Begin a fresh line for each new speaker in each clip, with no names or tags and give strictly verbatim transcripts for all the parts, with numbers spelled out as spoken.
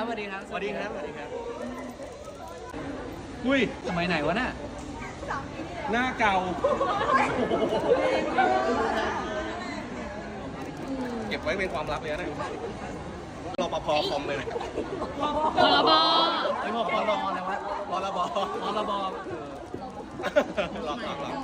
ครับสวัสดีครับ
สวัสดีครับสวัสดีครับอุ้ย
สมัยไหนวะน่ะ
หน้าเก่าเก็บไว้เป็นความลับเลยนะรปภคอมเลยนะ
พรบ
ไอ้พวกพรบอะไรวะ
พรบ
พรบ
หลอกหลอกหลอก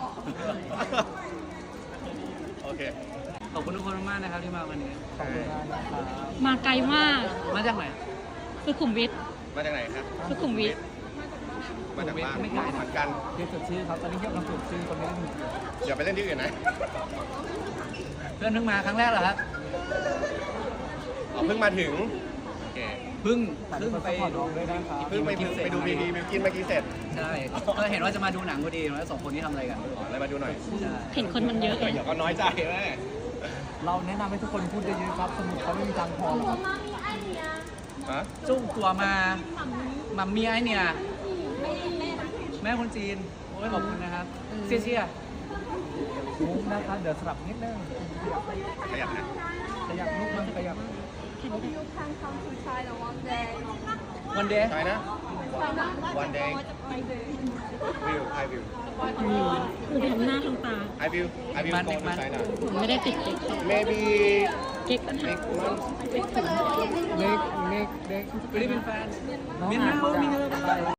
โอเค
ขอบคุณทุกคนมากๆนะครับที่มาวันนี้
มาไกลมาก
มาจากไหน
สุขุมวิท
มาจากไหนครับ
สุขุมวิท
มาจากบ้าน
ไม่ไกลนะ
เหมือนกัน
เรียกจดชื่อครับตอนนี้เรียกกำลังจดชื่อคนไม่ได้มี
อย่าไปเล่นที่อื่นนะ
เพื่อนเพิ่งมาครั้งแรกเหรอครับ
อ๋อเพิ่งมาถึงโอเค
เพิ่งเพิ่งไป
เพิ่งไปดูไปดูบีบีบิวกินเมื่อกี้เสร็จ
ใช่ก็เห็นว่าจะมาดูหนังพอดีแล้วสองคนนี้ทำอะไรกัน
ขออะไรมาดูหน่อย
ใช่
เห็นคนมันเยอะ
เดี๋ยวก็น้อยใจแม่
เราแนะนำให้ทุกคนพูดเยอะๆครับ สมุดเขาไม่มีตังค์พอหรอก
ฮะ
จุ้งตัวมามัมมี่ไอเนี่ย แม่คนจีน โอ้ยขอบคุณนะครับเชี่ยเชี่ย
มุกนะคะเดี๋ยวสลับนิดนึง
ขยับนะ
ขยับมุกมันขยับ
You can come to China one day.
วันเดย์
ใช่นะ one day will I will
คือทำหน้าทำตา
I will I will go to China
ผมไม่ได้ติดเก๊ก
maybe
เก๊กปัญหา
next month
เล็กเล็กเล็ก
ไม่ได้เป็นแฟน
น้อง
เมียนมา
อาจ
มีเงิน
จะไป